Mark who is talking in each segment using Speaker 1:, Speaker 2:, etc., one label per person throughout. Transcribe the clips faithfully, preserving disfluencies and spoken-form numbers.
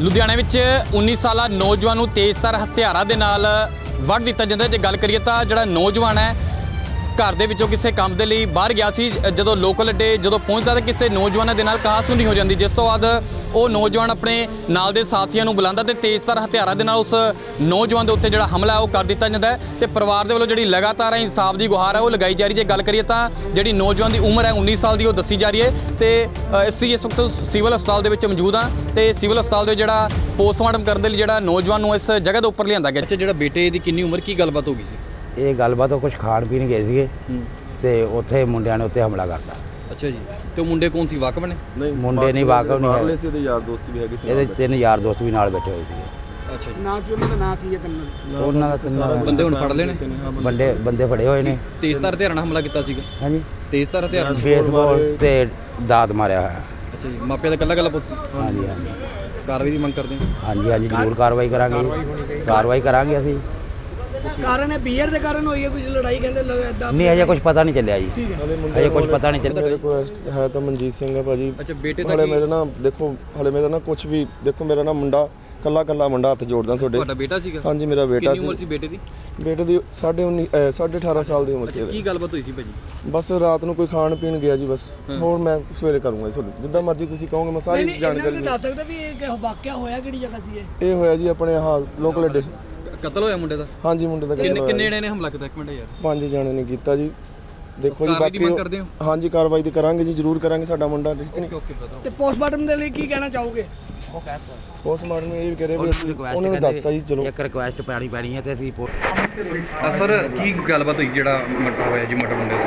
Speaker 1: ਲੁਧਿਆਣਾ ਵਿੱਚ ਉੱਨੀ ਸਾਲਾ ਨੌਜਵਾਨ ਨੂੰ ਤੇਜ਼ਧਾਰ ਹਥਿਆਰਾਂ ਦੇ ਨਾਲ ਵੱਢ ਦਿੱਤਾ ਜਾਂਦਾ। ਜੇ ਗੱਲ ਕਰੀਏ ਤਾਂ ਜਿਹੜਾ ਨੌਜਵਾਨ ਹੈ ਘਰ ਦੇ ਵਿੱਚੋਂ ਕਿਸੇ ਕੰਮ ਦੇ ਲਈ ਬਾਹਰ ਗਿਆ ਸੀ। ਜਦੋਂ ਲੋਕਲ ਅੱਡੇ ਜਦੋਂ ਪਹੁੰਚਦਾ ਤਾਂ ਕਿਸੇ ਨੌਜਵਾਨ ਦੇ ਨਾਲ ਕਹਾਸੁਣੀ ਹੋ ਜਾਂਦੀ, ਜਿਸ ਤੋਂ ਬਾਅਦ ਉਹ ਨੌਜਵਾਨ ਆਪਣੇ ਨਾਲ ਦੇ ਸਾਥੀਆਂ ਨੂੰ ਬੁਲਾਉਂਦਾ ਤੇ ਤੇਜ਼ਧਾਰ ਹਥਿਆਰਾਂ ਦੇ ਨਾਲ ਉਸ ਨੌਜਵਾਨ ਦੇ ਉੱਤੇ ਜਿਹੜਾ ਹਮਲਾ ਹੈ ਉਹ ਕਰ ਦਿੱਤਾ ਜਾਂਦਾ ਹੈ। ਤੇ ਪਰਿਵਾਰ ਦੇ ਵੱਲੋਂ ਜਿਹੜੀ ਲਗਾਤਾਰ ਇਨਸਾਫ ਦੀ ਗੁਹਾਰ ਹੈ ਉਹ ਲਗਾਈ ਜਾ ਰਹੀ। ਜੇ ਗੱਲ ਕਰੀਏ ਤਾਂ ਜਿਹੜੀ ਨੌਜਵਾਨ ਦੀ ਉਮਰ ਹੈ ਉੱਨੀ ਸਾਲ ਦੀ ਉਹ ਦੱਸੀ ਜਾ ਰਹੀ ਹੈ। ਤੇ ਅਸੀਂ ਇਸ ਵਕਤ ਸਿਵਲ ਹਸਪਤਾਲ ਦੇ ਵਿੱਚ ਮੌਜੂਦ ਹਾਂ ਤੇ ਸਿਵਲ ਹਸਪਤਾਲ ਦੇ ਜਿਹੜਾ ਪੋਸਟਮਾਰਟਮ ਕਰਨ ਦੇ ਲਈ ਜਿਹੜਾ ਨੌਜਵਾਨ ਨੂੰ ਇਸ ਜਗ੍ਹਾ ਦੇ ਉੱਪਰ ਲਿਆਂਦਾ ਗਿਆ। ਅੱਛਾ, ਜਿਹੜਾ ਬੇਟੇ ਦੀ ਕਿੰਨੀ ਉਮਰ, ਕੀ ਗੱਲਬਾਤ ਹੋ ਗਈ ਸੀ?
Speaker 2: ਇਹ ਗੱਲਬਾਤ ਉਹ ਕੁਝ ਖਾਣ ਪੀਣ ਗਏ ਸੀਗੇ ਤੇ ਉੱਥੇ ਮੁੰਡਿਆਂ ਨੇ ਉੱਤੇ ਹਮਲਾ ਕਰਤਾ।
Speaker 1: ਅੱਛਾ ਜੀ, ਤੇ ਉਹ ਮੁੰਡੇ ਕੌਣ ਸੀ, ਵਾਕਫ ਨੇ?
Speaker 2: ਨਹੀਂ, ਮੁੰਡੇ ਨਹੀਂ ਵਾਕਫ ਨਹੀਂ
Speaker 3: ਹੈਗੇ ਸੀ, ਇਹਦੇ ਯਾਰ ਦੋਸਤ ਵੀ ਹੈਗੇ ਸੀ,
Speaker 2: ਇਹਦੇ ਤਿੰਨ ਯਾਰ ਦੋਸਤ ਵੀ ਨਾਲ ਬੈਠੇ ਹੋਏ ਸੀਗੇ।
Speaker 1: ਅੱਛਾ ਜੀ,
Speaker 4: ਨਾ ਕਿ ਉਹਨਾਂ ਦਾ ਨਾਂ ਕੀ ਹੈ ਤੈਨੂੰ?
Speaker 2: ਉਹਨਾਂ ਦਾ ਤਿੰਨਾਂ
Speaker 1: ਬੰਦੇ ਹੁਣ ਫੜ ਲਏ ਨੇ?
Speaker 2: ਬੰਦੇ ਬੰਦੇ ਫੜੇ ਹੋਏ ਨੇ।
Speaker 1: ਤੇਜ਼ਧਾਰ ਹਥਿਆਰਾਂ ਨਾਲ ਹਮਲਾ ਕੀਤਾ ਸੀਗਾ?
Speaker 2: ਹਾਂਜੀ,
Speaker 1: ਤੇਜ਼ਧਾਰ ਹਥਿਆਰਾਂ ਨਾਲ?
Speaker 2: ਬੇਸਬਾਲ ਤੇ ਦਾਤ ਮਾਰਿਆ ਹੋਇਆ।
Speaker 1: ਅੱਛਾ ਜੀ, ਮਾਪਿਆਂ ਦਾ ਕੱਲਾ ਕੱਲਾ ਪੁੱਤ ਸੀ?
Speaker 2: ਹਾਂਜੀ ਹਾਂਜੀ
Speaker 1: ਕਾਰਵਾਈ ਦੀ ਮੰਗ ਕਰਦੇ ਹਾਂ?
Speaker 2: ਹਾਂਜੀ ਹਾਂਜੀ ਜ਼ਰੂਰ ਕਾਰਵਾਈ ਕਰਾਂਗੇ, ਕਾਰਵਾਈ ਕਰਾਂਗੇ ਅਸੀਂ।
Speaker 4: ਕਾਰਨ ਹੈ ਬੀਅਰ ਦੇ ਕਾਰਨ ਹੋਈ ਹੈ ਕੁਝ ਲੜਾਈ, ਕਹਿੰਦੇ ਇਦਾਂ
Speaker 2: ਨਹੀਂ ਅਜੇ ਕੁਝ ਪਤਾ ਨਹੀਂ ਚੱਲਿਆ ਜੀ, ਅਜੇ ਕੁਝ ਪਤਾ ਨਹੀਂ ਚੱਲਿਆ।
Speaker 3: ਮੇਰੇ ਕੋਲ ਹੈ ਤਾਂ ਮਨਜੀਤ ਸਿੰਘ ਹੈ ਭਾਜੀ।
Speaker 1: ਅੱਛਾ, ਬੇਟੇ ਦਾ
Speaker 3: ਹਲੇ ਮੇਰੇ ਨਾਲ ਦੇਖੋ, ਹਲੇ ਮੇਰਾ ਨਾ ਕੁਝ ਵੀ ਦੇਖੋ, ਮੇਰਾ ਨਾ ਮੁੰਡਾ ਕੱਲਾ ਕੱਲਾ ਮੁੰਡਾ ਹੱਥ ਜੋੜਦਾ ਤੁਹਾਡੇ।
Speaker 1: ਤੁਹਾਡਾ ਬੇਟਾ ਸੀਗਾ?
Speaker 3: ਹਾਂਜੀ, ਮੇਰਾ ਬੇਟਾ
Speaker 1: ਕਿੰਨੀ ਉਮਰ ਸੀ ਬੇਟੇ ਦੀ?
Speaker 3: ਬੇਟੇ ਦੀ ਸਾਢੇ ਉੱਨੀ ਸਾਢੇ ਅਠਾਰਾਂ ਸਾਲ ਦੀ ਉਮਰ ਸੀ।
Speaker 1: ਕੀ ਗੱਲਬਾਤ ਹੋਈ ਸੀ ਭਾਜੀ?
Speaker 3: ਬਸ ਰਾਤ ਨੂੰ ਕੋਈ ਖਾਣ ਪੀਣ ਗਿਆ ਜੀ, ਬਸ ਹੋਰ ਮੈਂ ਸਵੇਰੇ ਕਰੂੰਗਾ ਜੀ ਤੁਹਾਨੂੰ ਜਿੱਦਾਂ ਮਰਜ਼ੀ ਤੁਸੀਂ ਕਹੋਗੇ, ਮੈਂ ਸਾਰੀ ਜਾਣਕਾਰੀ
Speaker 4: ਦੱਸ ਸਕਦਾ ਵੀ ਇਹ ਵਾਕਿਆ ਹੋਇਆ ਕਿਹੜੀ ਜਗ੍ਹਾ ਸੀ? ਇਹ
Speaker 3: ਇਹ ਹੋਇਆ ਜੀ ਆਪਣੇ ਹਾਂ ਲੋਕਲ ਅੱਡੇ।
Speaker 1: ਕਤਲ ਹੋਇਆ ਮੁੰਡੇ ਦਾ?
Speaker 3: ਹਾਂਜੀ, ਮੁੰਡੇ ਦਾ
Speaker 1: ਕਿੰਨੇ ਕਿੰਨੇ ਜਣੇ ਨੇ ਹਮਲਾ ਕੀਤਾ? ਇੱਕ ਮਿੰਟ ਯਾਰ।
Speaker 3: ਪੰਜ ਜਣੇ ਨੇ ਕੀਤਾ ਜੀ। ਦੇਖੋ ਜੀ,
Speaker 1: ਕਾਰਵਾਈ ਦੀ ਮੰਗ
Speaker 3: ਬਾਕੀ
Speaker 1: ਕਰਦੇ ਹੋ?
Speaker 3: ਹਾਂਜੀ, ਕਾਰਵਾਈ ਤੇ ਕਰਾਂਗੇ ਜੀ, ਜ਼ਰੂਰ ਕਰਾਂਗੇ। ਸਾਡਾ ਮੁੰਡਾ ਠੀਕ ਨਹੀਂ।
Speaker 1: ਓਕੇ, ਬਤਾਓ।
Speaker 4: ਤੇ ਪੋਸਟਮਾਰਟਮ ਦੇ ਲਈ ਕੀ ਕਹਿਣਾ ਚਾਹੋਗੇ?
Speaker 3: ਪੋਸਟਮਾਰਟਮ ਨੂੰ ਇਹ ਵੀ ਕਹਿ ਰਹੇ ਵੀ ਅਸੀਂ ਉਹਨਾਂ ਨੂੰ ਦੱਸਤਾ ਜੀ। ਚਲੋ,
Speaker 2: ਇੱਕ ਰਿਕੁਐਸਟ ਪਾਣੀ ਪੈਣੀ ਹੈ ਤੇ ਅਸੀਂ
Speaker 1: ਸਰ, ਕੀ ਗੱਲਬਾਤ ਹੋਈ ਜਿਹੜਾ ਮਰਡਰ ਹੋਇਆ ਜੀ, ਮਰਡਰ ਮੁੰਡੇ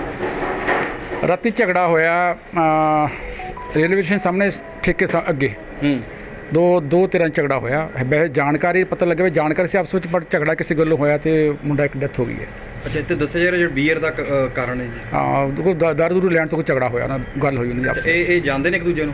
Speaker 1: ਦਾ?
Speaker 5: ਰਾਤੀ ਝਗੜਾ ਹੋਇਆ ਰੇਲਵੇ ਸਟੇਸ਼ਨ ਸਾਹਮਣੇ ਠੇਕੇ ਸਾ ਅੱਗੇ।
Speaker 1: ਹੂੰ,
Speaker 5: ਦੋ ਦੋ ਤਰ੍ਹਾਂ ਝਗੜਾ ਹੋਇਆ। ਵੈਸੇ ਜਾਣਕਾਰੀ ਪਤਾ ਲੱਗੇ ਵੀ ਜਾਣਕਾਰੀ ਸੀ ਆਪਸ ਵਿੱਚ, ਪਰ ਝਗੜਾ ਕਿਸੇ ਗੱਲੋਂ ਹੋਇਆ ਤੇ ਮੁੰਡਾ ਇੱਕ ਡੈਥ ਹੋ ਗਈ ਹੈ।
Speaker 1: ਅੱਛਾ, ਇੱਥੇ ਦੱਸਿਆ ਜਾ ਰਿਹਾ ਜਿਹੜਾ ਬੀਅਰ ਦਾ ਕ- ਕਾਰਨ ਹੈ ਜੀ?
Speaker 5: ਹਾਂ, ਦੇਖੋ ਦਾਰੂ ਦੂਰੂ ਲੈਣ ਤੋਂ ਕੋਈ ਝਗੜਾ ਹੋਇਆ ਨਾ, ਗੱਲ ਹੋਈ ਉਹਨਾਂ ਦੀ ਆਪਸ
Speaker 1: ਇਹ ਇਹ ਜਾਣਦੇ ਨੇ ਇੱਕ ਦੂਜੇ ਨੂੰ?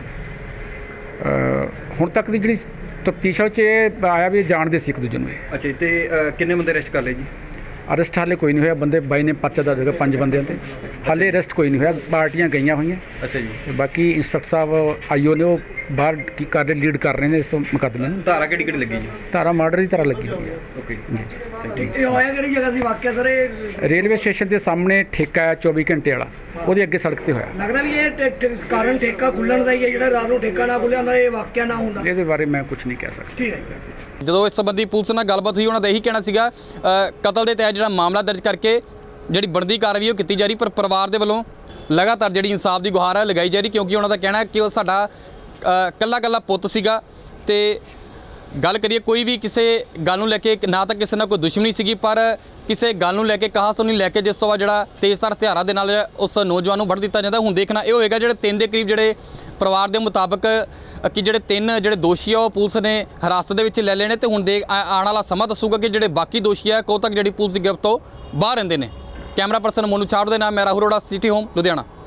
Speaker 5: ਵਿੱਚ। ਹੁਣ ਤੱਕ ਦੀ ਜਿਹੜੀ ਤਫਤੀਸ਼ ਵਿੱਚ ਇਹ ਆਇਆ ਵੀ ਇਹ ਜਾਣਦੇ ਸੀ ਇੱਕ ਦੂਜੇ ਨੂੰ। ਇਹ
Speaker 1: ਅੱਛਾ ਜੀ, ਤੇ ਅ, ਕਿੰਨੇ ਬੰਦੇ ਅਰੈਸਟ ਕਰ ਲਏ ਜੀ?
Speaker 5: ਅਰੈਸਟ ਹਾਲੇ ਕੋਈ ਨਹੀਂ ਹੋਇਆ। ਬੰਦੇ ਬਾਈ ਨੇ ਪਰਚਾ ਦਰਜ ਹੋਇਆ ਪੰਜ ਬੰਦਿਆਂ ਤੇ। ਹਾਲੇ ਅਰੈਸਟ ਕੋਈ ਨਹੀਂ ਹੋਇਆ, ਪਾਰਟੀਆਂ ਗਈਆਂ ਹੋਈਆਂ।
Speaker 1: ਅੱਛਾ ਜੀ,
Speaker 5: ਤੇ ਬਾਕੀ ਇੰਸਪੈਕਟਰ ਸਾਹਿਬ ਆਈਓ ਨੇ ਉਹ ਬਾਹਰ ਕੀ ਕਰ ਰਹੇ, ਲੀਡ ਕਰ ਰਹੇ ਨੇ ਇਸ ਮੁਕੱਦਮੇ ਨੂੰ।
Speaker 1: ਧਾਰਾ ਕਿਹੜੀ ਕਿਹੜੀ ਲੱਗੀ ਜੀ?
Speaker 5: ਧਾਰਾ ਮਰਡਰ ਦੀ ਤਰ੍ਹਾਂ ਲੱਗੀ ਹੋਈ ਹੈ।
Speaker 1: ਓਕੇ,
Speaker 4: ਇਹ ਹੋਇਆ ਕਿਹੜੀ ਜਗ੍ਹਾ ਸੀ ਵਾਕਿਆ ਸਰ? ਇਹ
Speaker 5: ਰੇਲਵੇ ਸਟੇਸ਼ਨ ਦੇ ਸਾਹਮਣੇ ਠੇਕਾ ਹੈ ਚੌਵੀ ਘੰਟੇ ਵਾਲਾ, ਉਹਦੇ ਅੱਗੇ ਸੜਕ ਤੇ ਹੋਇਆ।
Speaker 4: ਲੱਗਦਾ ਵੀ ਇਹ ਠੇ- ਠੇ- ਕਾਰਨ ਠੇਕਾ ਖੁੱਲਣ ਦਾ ਹੀ ਹੈ, ਜਿਹੜਾ ਰਾਤ ਨੂੰ ਠੇਕਾ ਨਾ ਖੁੱਲਿਆ ਹੁੰਦਾ ਇਹ ਵਾਕਿਆ ਨਾ ਹੁੰਦਾ।
Speaker 5: ਇਹਦੇ ਬਾਰੇ ਮੈਂ ਕੁਝ ਨਹੀਂ ਕਹਿ ਸਕਦਾ।
Speaker 4: ਠੀਕ ਹੈ।
Speaker 1: ਜਦੋਂ ਇਸ ਸੰਬੰਧੀ ਪੁਲਿਸ ਨਾਲ ਗੱਲਬਾਤ ਹੋਈ, ਉਹਨਾਂ ਦਾ ਇਹੀ ਕਹਿਣਾ ਸੀਗਾ ਅ, ਕਤਲ ਦੇ ਤਹਿਤ ਜਿਹੜਾ ਮਾਮਲਾ ਦਰਜ ਕਰਕੇ ਜਿਹੜੀ ਬਣਦੀ ਕਾਰਵਾਈ ਉਹ ਕੀਤੀ ਜਾ ਰਹੀ, ਪਰ ਪਰਿਵਾਰ ਦੇ ਵੱਲੋਂ ਲਗਾਤਾਰ ਜਿਹੜੀ ਇਨਸਾਫ ਦੀ ਗੁਹਾਰ ਹੈ ਲਗਾਈ ਜਾ ਰਹੀ, ਕਿਉਂਕਿ ਉਹਨਾਂ ਦਾ ਕਹਿਣਾ ਹੈ ਕਿ ਉਹ ਸਾਡਾ ਕੱਲਾ ਕੱਲਾ ਪੁੱਤ ਸੀਗਾ। ਤੇ ਗੱਲ ਕਰੀਏ ਕੋਈ ਵੀ ਕਿਸੇ ਗੱਲ ਨੂੰ ਲੈ ਕੇ ਨਾ ਤਾਂ ਕਿਸੇ ਨਾਲ ਕੋਈ ਦੁਸ਼ਮਣੀ ਸੀਗੀ, ਪਰ ਕਿਸੇ ਗੱਲ ਨੂੰ ਲੈ ਕੇ ਕਹਾਸੁਣੀ ਲੈ ਕੇ ਜਿਸ ਤੋਂ ਬਾਅਦ ਜਿਹੜਾ ਤੇਜ਼ਧਾਰ ਹਥਿਆਰਾਂ ਦੇ ਨਾਲ ਉਸ ਨੌਜਵਾਨ ਨੂੰ ਵੱਢ ਦਿੱਤਾ ਜਾਂਦਾ। ਹੁਣ ਦੇਖਣਾ ਇਹ ਹੋਏਗਾ ਜਿਹੜੇ ਤਿੰਨ ਦੇ ਕਰੀਬ ਜਿਹੜੇ ਪਰਿਵਾਰ ਦੇ ਮੁਤਾਬਕ ਕਿ ਜਿਹੜੇ ਤਿੰਨ ਜਿਹੜੇ ਦੋਸ਼ੀ ਆ ਉਹ ਪੁਲਿਸ ਨੇ ਹਿਰਾਸਤ ਦੇ ਵਿੱਚ ਲੈ ਲਏ ਨੇ, ਤੇ ਹੁਣ ਦੇਖ ਆਉਣ ਵਾਲਾ ਸਮਾਂ ਦੱਸੂਗਾ ਕਿ ਜਿਹੜੇ ਬਾਕੀ ਦੋਸ਼ੀ ਆ ਕਦੋਂ ਤੱਕ ਜਿਹੜੀ ਪੁਲਿਸ ਦੀ ਗ੍ਰਿਫਤ ਤੋਂ ਬਾਹਰ ਰਹਿੰਦੇ ਨੇ। ਕੈਮਰਾ ਪਰਸਨ ਮੋਨੂ ਛਾੜ ਦੇ ਨਾਲ ਮੈਂ ਰਾਹੁਲ ਅਰੋੜਾ, ਸਿਟੀ ਹੋਮ, ਲੁਧਿਆਣਾ।